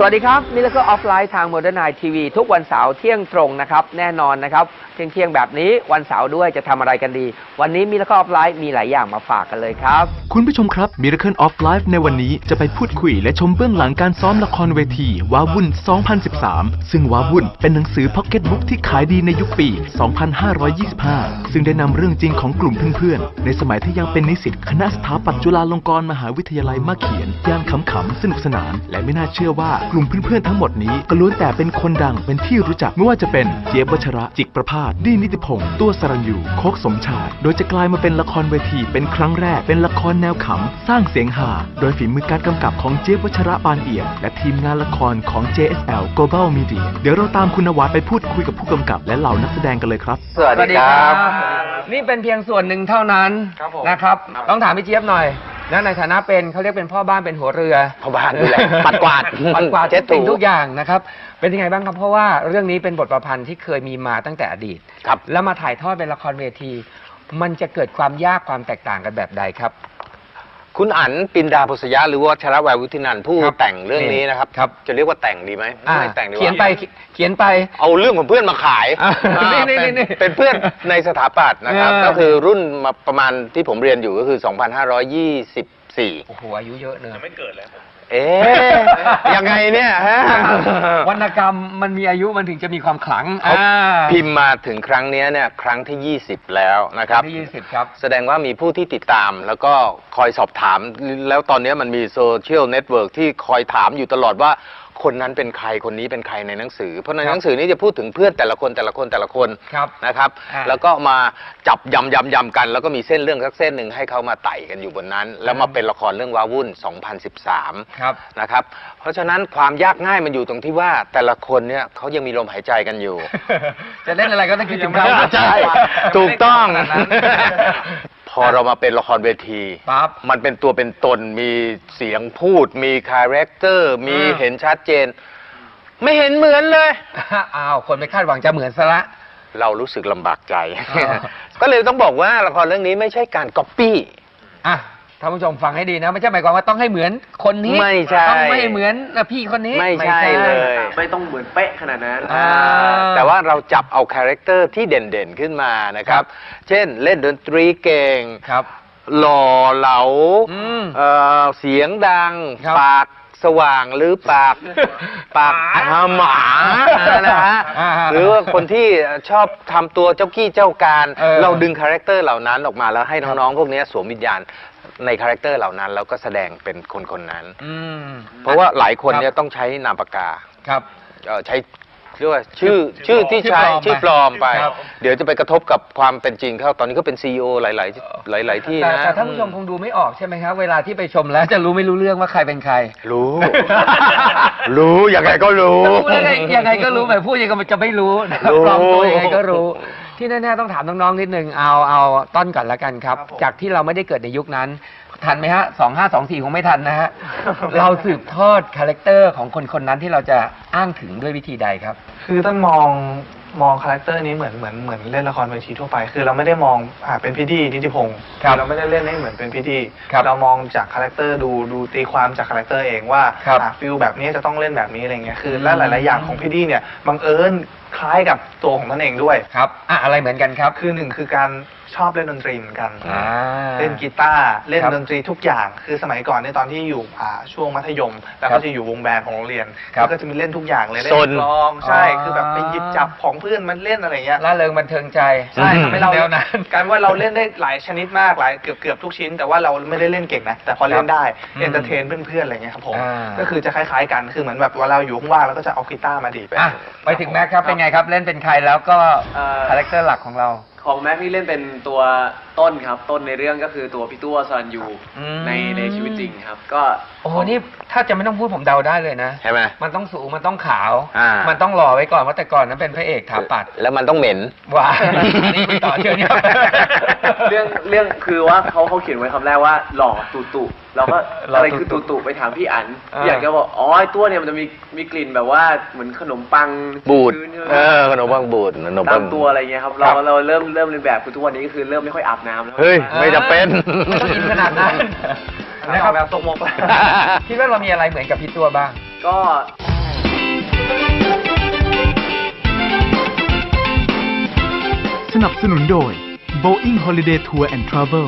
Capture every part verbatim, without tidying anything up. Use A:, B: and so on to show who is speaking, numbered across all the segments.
A: สวัสดีครับนี่แล้วก็ออฟไลน์ทาง Modern Night ที วี ทุกวันเสาร์เที่ยงตรงนะครับแน่นอนนะครับเที่ยงเที่ยงแบบนี้วันเสาร์ด้วยจะทำอะไรกันดีวันนี้มีแล้วก็ออฟไลน์มีหลายอย่างมาฝากกันเลยครับ
B: คุณผู้ชมครับ Miracle of Life ในวันนี้จะไปพูดคุยและชมเบื้องหลังการซ้อมละครเวทีว้าวุ่น สองพันสิบสาม ซึ่งว้าวุ่นเป็นหนังสือพ็อกเก็ตบุ๊กที่ขายดีในยุคปี สองพันห้าร้อยยี่สิบห้า ซึ่งได้นำเรื่องจริงของกลุ่มเพื่อนๆในสมัยที่ยังเป็นนิสิตคณะสถาปัตย์จุฬาลงกรณ์มหาวิทยาลัยมาเขียนย่านขำๆสนุกสนานและไม่น่าเชื่อว่ากลุ่มเพื่อนๆทั้งหมดนี้ก็ล้วนแต่เป็นคนดังเป็นที่รู้จักไม่ว่าจะเป็นเจี๊ยบวัชระจิกประภาสดีนิติพงษ์ตัวสรัญยูโคกสมชายโดยจะกลายมาเป็นละครเวทีเป็นครั้งแรกเป็นละครแนวขำสร้างเสียงฮาโดยฝีมือการกำกับของเจี๊ยบวัชระปานเอี่ยมและทีมงานละครของ เจ เอส แอล Global Media เดี๋ยวเราตามคุณนวัดไปพูดคุยกับผู้กำกับและเหล่านักแสดงกันเลยครับ
A: สวัสดีครับนี่เป็นเพียงส่วนหนึ่งเท่านั้นนะครับต้องถามพี่เจี๊ยบหน่อยนะในฐานะเป็นเขาเรียกเป็นพ่อบ้านเป็นหัวเรือ
C: พ่อบ้านด้วยแหละปัดกวาด
A: ปัดกวาดเช็ดถูทุกอย่างนะครับเป็นยังไงบ้างครับเพราะว่าเรื่องนี้เป็นบทประพันธ์ที่เคยมีมาตั้งแต่อดีต
C: ครับ
A: แล้วมาถ่ายทอดเป็นละครเวทีมันจะเกิดความยากความแตกต่างกันแบบใดครับ
C: คุณอั๋นปินดาพุษยะหรือว่าชรวัยวุฒินันท์ผู้แต่งเรื่องนี้นะครับจะเรียกว่าแต่งดีไหมไม่แต่งดี
A: เขียนไปเขียนไป
C: เอาเรื่องของเพื่อนมาขายเป็นเพื่อนในสถาปัตย์นะครับก็คือรุ่นมาประมาณที่ผมเรียนอยู่ก็คือ สองพันห้าร้อยยี่สิบสี่
A: โอ้โหอายุเยอะเนอะ
D: ยังไม่เกิดเลย
C: เอ๊ะยังไงเนี่ยฮะ
A: วรรณกรรมมันมีอายุมันถึงจะมีความขลัง
C: พิมพ์มาถึงครั้งนี้เนี่ยครั้งที่ยี่สิบแล้วนะครับ
A: ที่ยี่สิบครับ
C: แสดงว่ามีผู้ที่ติดตามแล้วก็คอยสอบถามแล้วตอนนี้มันมีโซเชียลเน็ตเวิร์กที่คอยถามอยู่ตลอดว่าคนนั้นเป็นใครคนนี้เป็นใครในหนังสือเพราะในหนังสือนี้จะพูดถึงเพื่อนแต่ละคนแต่ละคนแต่ละคนนะครับแล้วก็มาจับยำยำยำกันแล้วก็มีเส้นเรื่องสักเส้นหนึ่งให้เขามาไต่กันอยู่บนนั้นแล้วมาเป็นละครเรื่องว้าวุ่นสองพันสิบสามนะครับเพราะฉะนั้นความยากง่ายมันอยู่ตรงที่ว่าแต่ละคนเนี่ยเขายังมีลมหายใจกันอยู่
A: จะเล่นอะไรก็ต้องคิดถึงเขา
C: ใช่ถูกต้องพอเรามาเป็นละครเวทีมันเป็นตัวเป็นตนมีเสียงพูดมีคาแรคเตอร์มีเห็นชัดเจนไม่เห็นเหมือนเลย
A: อ้าวคนไม่คาดหวังจะเหมือนซะละ
C: เรารู้สึกลำบากใจก็เลยต้องบอกว่าละครเรื่องนี้ไม่ใช่การก๊อปปี้
A: อ่ะท่านผู้ชมฟังให้ดีนะไม่ใช่หมายความว่าต้องให้เหมือนคนนี้
C: ไม่ใช่
A: ต้องไม่เหมือนพี่คนนี้
C: ไม่ใช่เลย
D: ไม่ต้องเหมือนเป๊ะขนาดนั้น
C: แต่ว่าเราจับเอาคาแรคเตอร์ที่เด่นๆขึ้นมานะครับเช่นเล่นดนตรีเก่งหล่อเหลาเสียงดังปากสว่างหรือปากปากหมานะฮะหรือว่าคนที่ชอบทำตัวเจ้ากี้เจ้าการเราดึงคาแรคเตอร์เหล่านั้นออกมาแล้วให้น้องๆพวกนี้สวมวิญญาณในคาแรคเตอร์เหล่านั้นแล้วก็แสดงเป็นคนคนนั้นเพราะว่าหลายคนเนี่ยต้องใช้นามปากกา
A: ครับ
C: ใช้เรียกว่าชื่อชื่อที่ใช้ชื่อปลอมไปเดี๋ยวจะไปกระทบกับความเป็นจริงเขาตอนนี้ก็เป็นซีอีโอหลายๆหลายๆที่นะ
A: แต่ท่านผู้ชมคงดูไม่ออกใช่ไหมครับเวลาที่ไปชมแล้วจะรู้ไม่รู้เรื่องว่าใครเป็นใคร
C: รู้รู้ยังไงก็รู้
A: ยังไงก็รู้แบบพูดยังไงก็จะไม่รู้ปลอมตัวยังไงก็รู้ที่แน่ๆต้องถามน้องๆนิดนึงเอาเอาต้นก่อนละกันครับจากที่เราไม่ได้เกิดในยุคนั้นทันไหมฮะสองห้าสองสี่คงไม่ทันนะฮะเราสืบทอดคาแรคเตอร์ของคนคนนั้นที่เราจะอ้างถึงด้วยวิธีใดครับ
E: คือต้องมองมองคาแรคเตอร์นี้เหมือนเหมือนเหมือนเล่นละครเวทีทั่วไปคือเราไม่ได้มองอ่าเป็นพี่ดีนิติพงศ์เราไม่ได้เล่นให้เหมือนเป็นพี่ดีเรามองจากคาแรคเตอร์ดูดูตีความจากคาแรคเตอร์เองว่าอ่าฟิลแบบนี้จะต้องเล่นแบบนี้อะไรเงี้ยคือและหลายๆอย่างของพี่ดีเนี่ยบังเอิญคล้ายกับตัวของท่านเองด้วย
A: ครับอ่ะอะไรเหมือนกันครับ
E: คือหนึ่งคือการชอบเล่นดนตรีเหมือนกันเล่นกีตาร์เล่นดนตรีทุกอย่างคือสมัยก่อนในตอนที่อยู่ช่วงมัธยมแล้วก็จะอยู่วงแบนด์ของโรงเรียนแล้วก็จะมีเล่นทุกอย่างเลยเล่นร้องใช่คือแบบไปหยิบจับของเพื่อนมันเล่นอะไรเงี้ย
A: ล่าเริงบันเทิงใจ
E: ใช่ทำให้เราการว่าเราเล่นได้หลายชนิดมากหลายเกือบเกือบทุกชิ้นแต่ว่าเราไม่ได้เล่นเก่งนะแต่พอเล่นได้เอนเตอร์เทนเพื่อนๆอะไรเงี้ยครับผมก็คือจะคล้ายๆกันคือเหมือนแบบว่าเราอยู่ว่างๆแล้วก็จะเอากีตาร์มาดีไป
A: ไปถึงแม็กครับเป็นไงครับเล่นเป็นใครแล้วก็คาแรคเตอร์หลักของเรา
D: ของแม็กนี่เล่นเป็นตัวต้นครับต้นในเรื่องก็คือตัวพี่ตัวสรัญยูในในชีวิตจริงครับก็
A: โอ้โหนี่ถ้าจะไม่ต้องพูดผมเดาได้เลยนะ
C: ใช่ไหม
A: มันต้องสูงมันต้องขาวมันต้องหล่อไว้ก่อนเพราะแต่ก่อนนั้นเป็นพระเอกถาปัด
C: แล้วมันต้องเหม็น
A: ว้านี่คุยต่อเชิญครับ
D: เรื่องเรื่องคือว่าเขาเขาเขียนไว้คำแรกว่าหล่อตุตุเราก็อะไรคือตุตุไปถามพี่อั๋นพี่อั๋นก็บอกอ๋อไอ้ตัวเนี่ยมันจะมีมีกลิ่นแบบว่าเหมือนขนมปัง
C: บูดเออขนมปังบูดขนมปัง
D: ตัวอะไรเงี้ยครับเราเราเริ่มเริ่มเรียนแบบคือทุกวันนี้ก็คือเริ่มไม่ค่อยอาบน้ำแล้ว
C: เฮ้ยไม่จำเป็น
A: ไม่ต้องกินขนาดนั้นนะครับแบบตกมกคิดว่าเรามีอะไรเหมือนกับพี่ตัวบ้าง
D: ก็
B: นับสนุนโดย Boeing Holiday Tour and Travel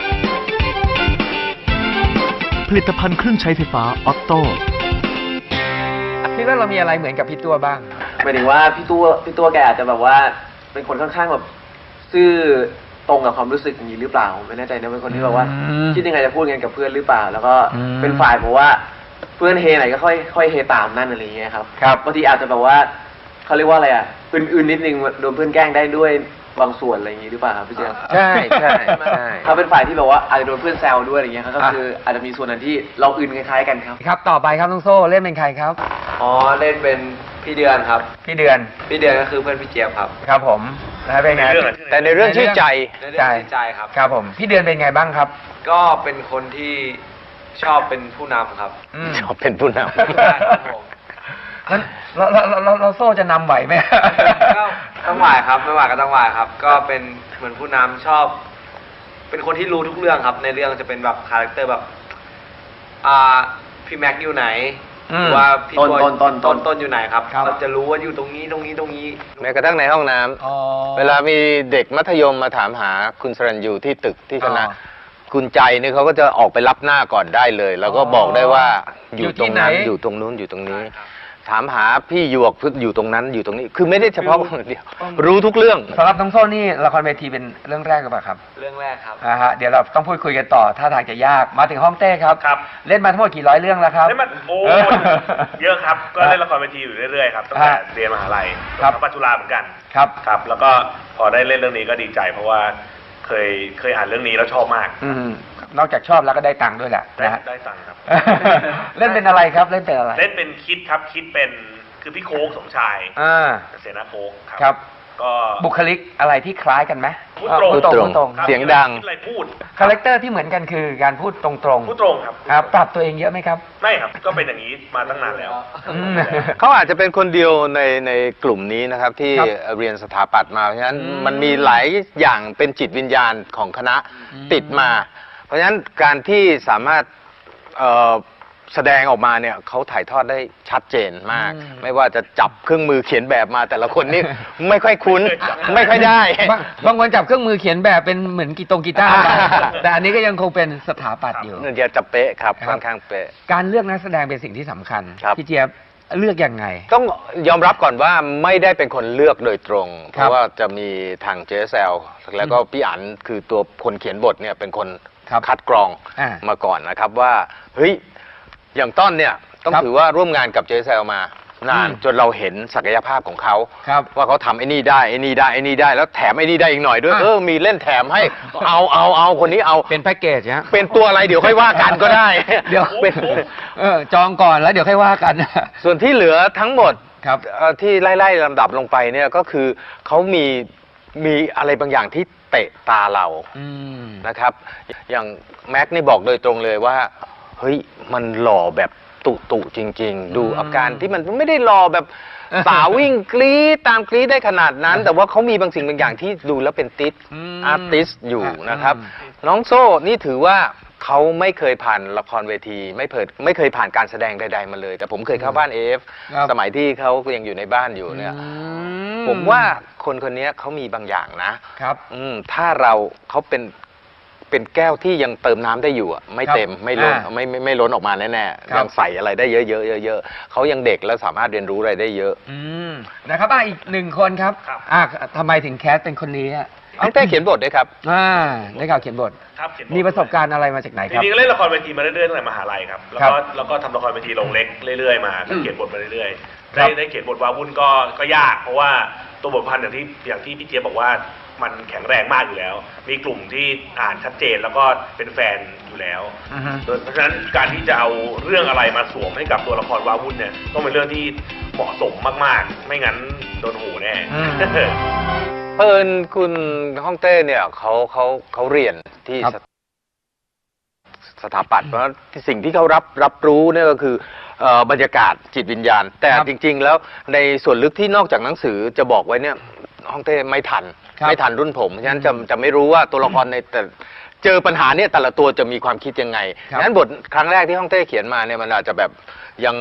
B: ผลิตภัณฑ์เครื่องใช้ไฟฟ้าออตโต้
A: คิดว่าเรามีอะไรเหมือนกับพี่ตัวบ้าง
D: หมายถึงว่าพี่ตัวพี่ตัวแกอาจจะแบบว่าเป็นคนค่อนข้างแบบซื่อตรงกับความรู้สึกอย่างนี้หรือเปล่าไม่แน่ใจนะเป็นคนที่แบบว่า
A: อืม
D: คิดยังไงจะพูดกันกับเพื่อนหรือเปล่า แล้วก็
A: อืม
D: เป็นฝ่ายบอกว่าเพื่อนเฮไหนก็ค่อยค่อยเฮตามนั่นอะไรอย่างเงี้ยครับ
A: ครับ
D: บางทีอาจจะแบบว่าเขาเรียกว่าอะไรอ่ะอื่นๆนิดนึงโดนเพื่อนแกล้งได้ด้วยบางส่วนอะไรอย่างงี้หรือเปล่าครับพี่เจมส์
A: ใช่ใช่ใช่
D: เขาเป็นฝ่ายที่แบบว่าอาจจะโดนเพื่อนแซวด้วยอะไรอย่างเงี้ยครับก็คืออาจจะมีส่วนนั้นที่เราอื่นคล้ายๆกันครับ
A: ครับต่อไปครับน้องโซ่เล่นเป็นใครครับ
D: อ๋อเล่นเป็นพี่เดือนครับ
A: พี่เดือน
D: พี่เดือนก็คือเพื่อนพี่เจี๊ยบครับ
A: ครับผมแล้วเป็นไง
C: แต่ในเรื่องชื่อใจ
A: ใช่
D: ใจครับ
A: ครับผมพี่เดือนเป็นไงบ้างครับ
D: ก็เป็นคนที่ชอบเป็นผู้นำครับ
A: อืม
C: ชอบเป็นผู้น
D: ครับผม
A: งั้นเราเราเราเราโซ่จะนำไหวไหม
D: ก็ต้องหวายครับไม่หวายก็ต้องหวายครับ ก็เป็นเหมือนผู้นำชอบ เป็นคนที่รู้ทุกเรื่องครับ ในเรื่องจะเป็นแบบคาแรคเตอร์แบบอ่าพี่แม็กซ์อยู่ไหน
A: อืม
D: หรือว่าพี่
E: ต้น
D: บอย
E: ต้นต้น
D: ต้นต้นอยู่ไหนครับ
A: ครับ
D: เราจะรู้ว่าอยู่ตรงนี้ตรงนี้ตรงนี้
C: ำแม้กระทั่งในห้องน้ำ
A: อ๋อ
C: เวลามีเด็กมัธยมมาถามหาคุณสรัญยูที่ตึกที่คณะ
A: อ๋อ
C: คุณใจนี่เขาก็จะออกไปรับหน้าก่อนได้เลย แล้วก็
A: อ๋อ
C: บอกได้ว่าอ
A: อยู่
C: ยู่
A: ที่
C: ตรงนั้น
A: ไหน
C: อยู่ตรงนู้นอยู่ตรงนี้ ถามหาพี่หยวกอยู่ตรงนั้นอยู่ตรงนี้ คือไม่ได้เฉพาะคนเดียว รู้ทุกเรื่อง
A: สำหรับน้องโซ่นี่ละครเวทีเป็นเรื่องแรกหรือเปล่าครับ
D: เรื่องแรกครับ
A: อ่าฮะเดี๋ยวเราต้องพูดคุยกันต่อท่าทางจะยากมาถึงห้องเต้ครับ
F: ครับ
A: เล่นมาทั้งหมดกี่ร้อยเรื่องแล้วครับ
F: เล่นมาโอ้
A: เออ
F: เยอะครับ ก็เล่นละครเวทีอยู่เรื่อยๆครับตั้งแต่
A: อ่า
F: เรียนมหาลัย
A: ครับ
F: ปัจจุฬาเหมือนกัน
A: ครับ
F: ครับ แล้วก็พอได้เล่นเรื่องนี้ก็ดีใจ เพราะว่าเคยเคยอ่านเรื่องนี้แล้วชอบมาก
A: อืมนอกจากชอบแล้วก็ได้ตังค์ด้วยแหละ
F: ได้
A: นะฮะ
F: ได้ตังค์ครับ
A: เล่นเป็นอะไรครับเล่นเป็นอะไร
F: เล่นเป็นคิดครับคิดเป็นคือพี่โค้กสมชาย
A: อ่า
F: เสนาโค้กครับ
A: ครับ
F: ก็
A: บุคลิกอะไรที่คล้ายกันไหม
F: พูดตรง
A: พูดตรง
C: พู
A: พู
C: ด
A: ด
C: ต
A: ต
C: ร
A: รง ง
F: ครับ
C: เสียงดัง
F: คิดอะไรพูด
A: คาแรคเตอร์ที่เหมือนกันคือการพูดตรงๆ
F: พูดตรงครับ
A: ครับปรับตัวเองเยอะไหมครับ
F: ไม่ครับ ก็เป็นอย่างนี้มาตั้งนานแล้ว
A: อืม
C: เขาอาจจะเป็นคนเดียวในในกลุ่มนี้นะครับ ที่
A: ครับ
C: เรียนสถาปัตย์มาเพราะฉะนั้น
A: อืม
C: มันมีหลายอย่างเป็นจิตวิญญาณของคณะ
A: อืม
C: ติดมา เพราะฉะนั้นการที่สามารถเอ่อแสดงออกมาเนี่ยเขาถ่ายทอดได้ชัดเจนมาก ไม่ว่าจะจับเครื่องมือเขียนแบบมาแต่ละคนนี่ ไม่ค่อยคุ้น ไม่ค่อยได้
A: บางบางคนจับเครื่องมือเขียนแบบเป็นเหมือนกีตงกีตาร์ไป
C: อ่า
A: แต่อันนี้ก็ยังคงเป็นสถาปัตย์อยู่
C: เดี๋ยวจะเป๊ะครับ
A: ครับ
C: ค่อนข้างเป๊ะ
A: การเลือกนักแสดงเป็นสิ่งที่สำคัญ
C: ครับ
A: พี่เจี๊ยบเลือกยังไง
C: ต้องยอมรับก่อนว่าไม่ได้เป็นคนเลือกโดยตรง เพ
A: ครับ
C: ราะว่าจะมีทางเจสแซลแล้วก็พี่อั๋นคือตัวคนเขียนบทเนี่ยเป็นคน
A: ครับ
C: คัดกรอง
A: อ่า
C: มาก่อนนะครับว่าเฮ้ยอย่างต้นเนี่ยต้อง
A: ครับ
C: ถือว่าร่วมงานกับเจสแซลมานาน
A: อืม
C: จนเราเห็นศักยภาพของเขา
A: ครับ
C: ว่าเขาทำไอ้นี่ได้ไอ้นี่ได้ไอ้นี่ได้แล้วแถมไอ้นี่ได้อีกหน่อยด้วย
A: อ่ะ
C: เออมีเล่นแถมให้เอาเอาเอาคนนี้เอา
A: เป็นแพ็กเกจฮะ
C: เป็นตัวอะไรเดี๋ยวค่อยว่ากันก็ได้
A: เดี๋ยว
C: เป็น
A: เออจองก่อนแล้วเดี๋ยวค่อยว่ากัน
C: ส่วนที่เหลือทั้งหมด
A: ครับ
C: เอ่อที่ไล่ๆลำดับลงไปเนี่ยก็คือเขามีมีอะไรบางอย่างที่เตะตาเรา
A: อืม
C: นะครับ อย่างแม็กนี่บอกโดยตรงเลยว่าเฮ้ยมันหล่อแบบตุตุจริง ๆ ดู
A: อืม
C: อาการที่มันไม่ได้หล่อแบบสาววิ่งกรี๊ดตามกรี๊ดได้ขนาดนั้น แต่ว่าเขามีบางสิ่งบางอย่างที่ดูแล้วเป็นติส
A: อืม
C: อาร์ติสอยู่
A: อ่ะ
C: นะครับ
A: อืม
C: น้องโซ่นี่ถือว่าเขาไม่เคยผ่านละครเวที ไม่เคยไม่เคยผ่านการแสดงใดๆมาเลย แต่ผมเคยเข้าบ้านเอฟ
A: ครับ
C: สมัยที่เขายังอยู่ในบ้านอยู่เนี่ย
A: อื
C: ผมว่าคนคนนี้เขามีบางอย่างนะครับ อืมถ้าเราเขาเป็นเป็นแก้วที่ยังเติมน้ำได้อยู่อะไม่
A: ครับ
C: เต็มไม่ล้น
A: อ่า
C: ไม่ไม่ไม่ล้นออกมาแน่
A: ครับ
C: ๆยังใส่อะไรได้เยอะๆเยอะๆเขายังเด็กแล้วสามารถเรียนรู้อะไรได้เยอะ
A: อืมนะครับอ่ะอีกหนึ่งคนครับ
F: ครับ
A: อ่ะทำไมถึงแคสเป็นคนนี้อ่ะ
C: น้องเต้เขียนบทด้วยครับ
A: อ่าได้ข่าวเขียนบท
F: ครับเขียนบท
A: มีประสบการณ์อะไรมาจากไหน
F: จ
A: ครับ
F: ริงๆก็เล่นละครเวทีมาเรื่อยๆตั้งแต่มหาลัยครับ แล้ว
A: ครั
F: ก็
A: บ
F: แล้วก็ทำละครเวทีลงเล็กเรื่อยๆมาก็เขียนบทมาเรื่อยๆ
A: ครั
F: ได้
A: บ
F: ได้เขียนบทวาวุ่นก็ก็ยาก เพราะว่าตัวบทพันธ์อย่างที่อย่างที่พี่เจี๊ยบบอกว่ามันแข็งแรงมากอยู่แล้ว มีกลุ่มที่อ่านชัดเจนแล้วก็เป็นแฟนอยู่แล้ว
A: อือฮึ
F: โดยเพราะฉะนั้นการที่จะเอาเรื่องอะไรมาสวมให้กับตัวละครวาวุ่นเนี่ยต้องเป็นเรื่องที่เหมาะสมมากๆ ไม่งั้นโดนหูแน่
A: อืม
C: เพิ่นคุณฮ่องเต้เนี่ยเขาเขาเขาเรียนที่
A: ครับ
C: สถาปัตย์เพราะฉะนั้นสิ่งที่เขารับรับรู้เนี่ยก็คือเอ่อบรรยากาศจิตวิญญาณ แต่
A: ครับ
C: จริง ๆ แล้วในส่วนลึกที่นอกจากหนังสือจะบอกไว้เนี่ยฮ่องเต้ไม่ทัน
A: ครับ
C: ไม่ทันรุ่นผมฉะนั้นจะ
A: อืม
C: จะไม่รู้ว่าตัวละครในแต่เจอปัญหาเนี่ยแต่ละตัวจะมีความคิดยังไง
A: ครับ
C: งั้นบทครั้งแรกที่ฮ่องเต้เขียนมาเนี่ยมันอาจจะแบบยัง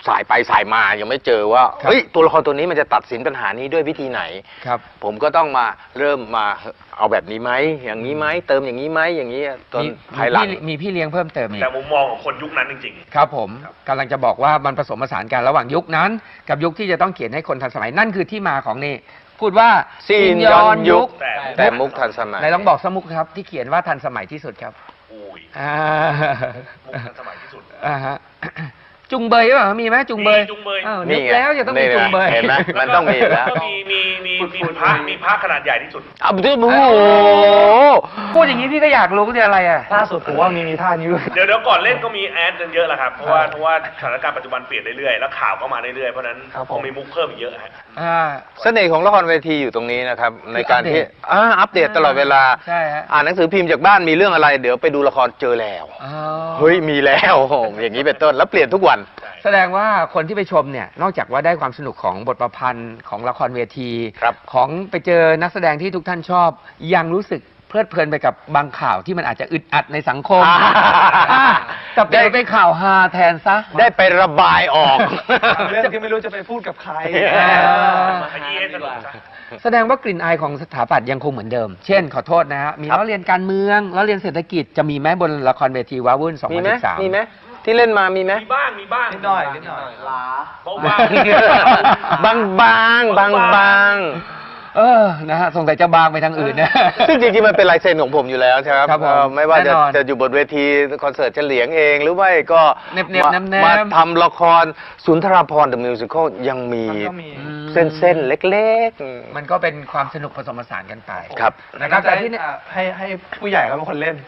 C: สายไปสายมายังไม่เจอว่า
A: ครับ
C: เฮ้ยตัวละครตัวนี้มันจะตัดสินปัญหานี้ด้วยวิธีไหน
A: ครับ
C: ผมก็ต้องมาเริ่มมาเอาแบบนี้ไหมอย่างนี้ไหมเติมอย่างนี้ไหมอย่างนี้จน
A: มี
C: ภายหลัง
A: มีพี่มีพี่เลี้ยงเพิ่มเติมอีก
F: แต่มุมมองของคนยุคนั้นจริงๆ
A: ครับผมกำลังจะบอกว่ามันผสมผสานกันระหว่างยุคนั้น กับยุคที่จะต้องเขียนให้คนทันสมัยนั่นคือที่มาของนี่พูดว่า
C: ซีนย้อนยุค
F: แต่
C: แต่มุกทันสมัย
A: ไหนลองบอกสมุกครับที่เขียนว่าทันสมัยที่สุดครับ
F: อุ้ย
A: อ่า
F: มุกทันสมัยที่สุด
A: อ่าฮะจุงเบยหรือเปล่ามีไหมจุงเบย
F: มีจุงเบย
A: อ้าว
C: นี่
A: นึก
C: ไง
A: แล้วจะต้องมี
C: นี่ไง
A: จุงเบย
C: เห็นไหม มันต้องมีแล้ว
F: ก็มีมีมีมีพระมีพระขนาดใหญ่ที่สุด
C: อ้าวโอ้โห
A: พูดอย่างนี้พี่ก็อยากรู้คืออะไรอ่ะ
E: ล่าสุดผมว่ามีมีท่านี้ด้วย
F: เดี๋ยวเดี๋ยวก่อนเล่นก็มีแอดกันเยอะแล้วครับ เพราะว่าเพราะว่าสถานการณ์ปัจจุบันเปลี่ยนเรื่อยๆ แล้วข่าวก็มาเรื่อยๆ เพราะฉะนั้น
E: ครับผม
F: คงมีมุกเพิ่มอีกเยอะฮะ
A: อ่า
C: เสน่ห์ของละครเวทีอยู่ตรงนี้นะครับ ในการที่
A: อัปเดต
C: อ่าอัปเดตตลอดเวลา
A: ใช่ฮะ
C: อ่านหนังสือพิมพ์จากบ้านมีเรื่องอะไร เดี๋ยวไปดูละครเจอแล้ว
A: อ๋อ
C: เฮ้ยมีแล้ว อย่างนี้เป็นต้นแล้วเปลี่ยนทุกวัน
A: แสดงว่าคนที่ไปชมเนี่ยนอกจากว่าได้ความสนุกของบทประพันธ์ของละครเวที
C: ครับ
A: ของไปเจอนักแสดงที่ทุกท่านชอบ ยังรู้สึกเพลิดเพลินไปกับบางข่าวที่มันอาจจะอึดอัดในสังคม
C: อ่า
A: อ่ากับเปลี่ยนไปข่าวฮาแทนซะ
C: ได้ไประบายออก
E: เรื่องที่ไม่รู้จะไปพูดกับใคร
C: เออ
F: มาขยี้ให้สนุกซะ
A: แสดงว่ากลิ่นอายของสถาปัตย์ยังคงเหมือนเดิม เช่นขอโทษนะฮะมี
C: ครับ
A: ล้อเรียนการเมืองล้อเรียนเศรษฐกิจจะมีไหมบนละครเวทีว้าวุ่น
C: มีไหม
A: สองพันสิบสาม
C: มีไหมที่เล่นมามีไหม
F: มีบ้างมีบ้าง
E: นิดหน่อยนิดหน่อย
D: ล้า
F: เพราะว่า
C: บางบางบางบาง
A: เออนะฮะสงสัยจะบางไปทางอื่นนะ
C: ซึ่งจริงๆมันเป็นลายเซ็นของผมอยู่แล้วใช่ไหม
A: ครับผม
C: เอ่อไม่ว่าจะ
A: แน่นอน
C: จะอยู่บนเวทีคอนเสิร์ตเฉลียงเอง หรือไม่ก็
A: เน็บๆ
C: มา
A: แนมๆ
C: มาทำละครสุนทรภรณ์ The Musical ยังมี
E: มันก็มี
C: เส้นเส้นๆเล็กๆ
A: มันก็เป็นความสนุกผสมผสานกันไป
C: ครับ
A: นะครับแต่ที่
E: อ่ะให้ให้ผู้ใหญ่เขาเป็นคนเล่น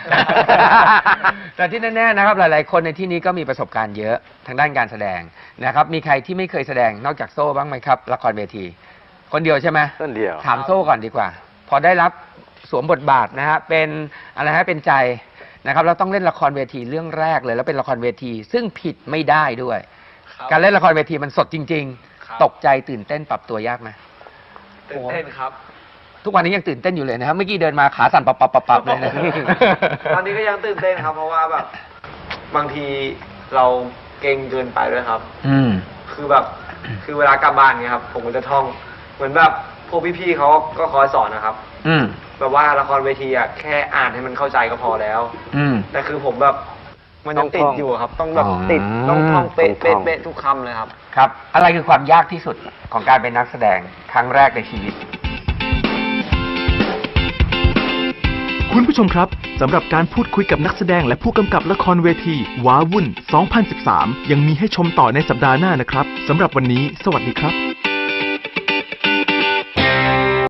A: แต่ที่แน่ๆนะครับหลายๆ คนในที่นี้ก็มีประสบการณ์เยอะทางด้านการแสดงนะครับ มีใครที่ไม่เคยแสดงนอกจากโซ่บ้างไหมครับ ละครเวที คนเดียวใช่ไหม
C: ต้นเดียว
A: ถามโซ่ก่อนดีกว่า พอได้รับสวมบทบาทนะฮะเป็นอะไรฮะเป็นใจนะครับเราต้องเล่นละครเวทีเรื่องแรกเลย แล้วเป็นละครเวที ซึ่งผิดไม่ได้ด้วย การเล่นละครเวทีมันสดจริง ๆ ตกใจตื่นเต้นปรับตัวยากไหม
D: ตื่นเต้นครับ
A: ทุกวันนี้ยังตื่นเต้นอยู่เลยนะครับเมื่อกี้เดินมาขาสั่นปับปับปับปับเลยนะ
D: ตอนนี้ก็ยังตื่นเต้นครับ เพราะว่าแบบ บางทีเราเก่งเกินไปด้วยครับ
A: อืม
D: คือแบบ คือเวลากลับบ้านเนี่ยครับ ผมก็จะท่อง เหมือนแบบพวกพี่ๆเขาก็คอยสอนนะครับ
A: อืม
D: แบบว่าละครเวทีอะแค่อ่านให้มันเข้าใจก็พอแล้ว
A: อืม
D: แต่คือผมแบบมันยังติดอยู่ครับ ต้องแบบ
A: อ๋อ
D: ติดต้องท่องเป๊ะ
C: ต้องท่
D: เป๊ะ
C: อง
D: เป๊ะทุกคำเลยครับ
A: ครับ อะไรคือความยากที่สุดของการเป็นนักแสดงครั้งแรกในชีวิต
B: คุณผู้ชมครับสำหรับการพูดคุยกับนักแสดงและผู้กำกับละครเวทีว้าวุ่น สองพันสิบสาม ยังมีให้ชมต่อในสัปดาห์หน้านะครับสำหรับวันนี้ สวัสดีครับ